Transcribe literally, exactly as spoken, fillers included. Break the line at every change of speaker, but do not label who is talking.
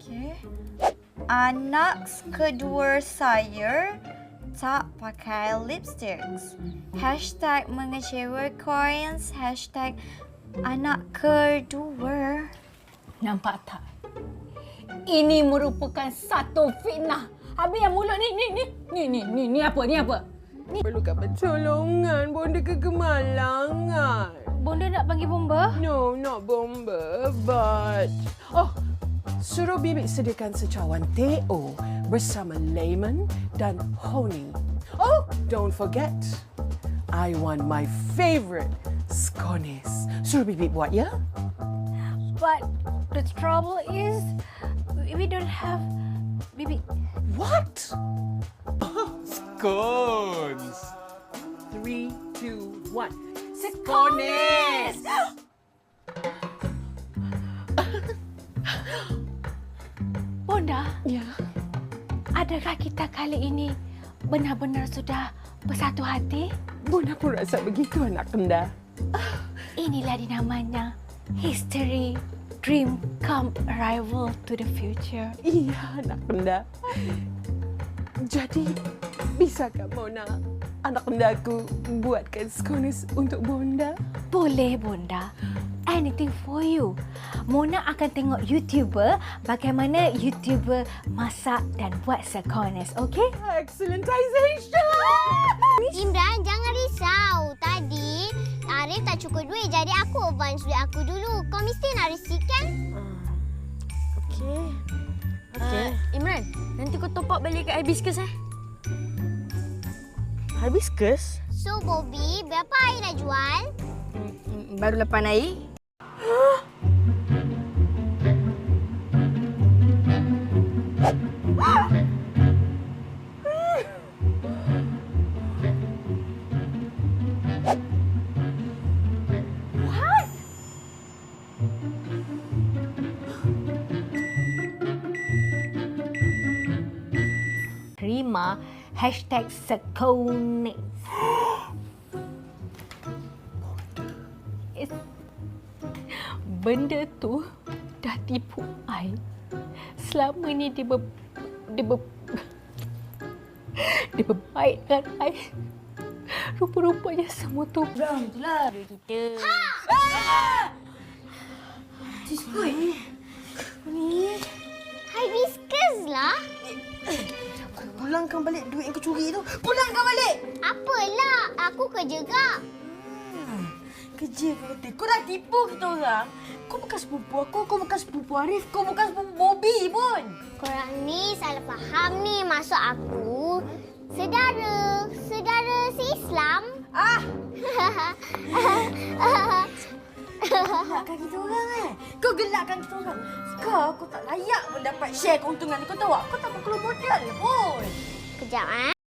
Okey. Anak kedua saya tak pakai lipsticks. Hashtag mengecewakan. Hashtag anak kedua.
Nampak tak? Ini merupakan satu fitnah. Habis yang mulut ni, ni, ni, ni, ni, ni, ni apa, ni apa?
Ni perlukan pertolongan. Bonda kegemalangan.
Bonda nak panggil bomba?
No, not bomba, but... Oh, suruh Bibi sediakan secawan teh O bersama lemon dan honey. Oh, don't forget, I want my favourite scones. Suruh Bibi buat, ya?
But the trouble is, we don't have... Bibi...
What? Scones. Three, two, one.
Scones! Bonda,
Ya.
adakah kita kali ini benar-benar sudah bersatu hati?
Bonda pun rasa begitu, anak kenda.
Inilah dinamanya history, dream come arrival to the future.
Iya, anak kenda. Jadi, bisakah Mona, anak kendaku, buatkan scones untuk Bonda?
Boleh, Bonda. Anything for you. Mona akan tengok YouTuber bagaimana YouTuber masak dan buat scones, okey?
Excellentization!
Imran, jangan risau. Tadi Arif tak cukup duit, jadi aku advance duit aku dulu. Kau mesti nak receipt kan?
Okey. Okey. Uh, Imran, nanti kau top up balik kat Hibiscus eh. Hibiscus?
So, Bobby, berapa air dah jual?
Hmm, baru lapan air.
Terima hashtag scones. It's... Benda tu dah tipu I. Selama ni dia ber... Dia ber... Dia berbaik dengan I. Rupa-rupanya semua tu
Bang, itulah duit kita.
Ciskui. Ni.
Hibiscus lah.
Pulangkan balik duit yang kau curi tu. Pulangkan balik.
Apalah, aku kerja gak.
Hmm. Kerja kau kata. Kau dah tipu kita orang. Kau bukan sepupu aku. Kau bukan sepupu Arif. Kau bukan sepupu Bobby pun.
Korang ni salah faham ni. Maksud aku, sedara. Sedara se-Islam.
Ah! Gelakkan kita orang eh. Kau gelakkan kita orang. Kau, kau tak layak pun dapat share keuntungan ni. Kau tahu tak? Kau tak perlu modal pun.
Kejap, eh.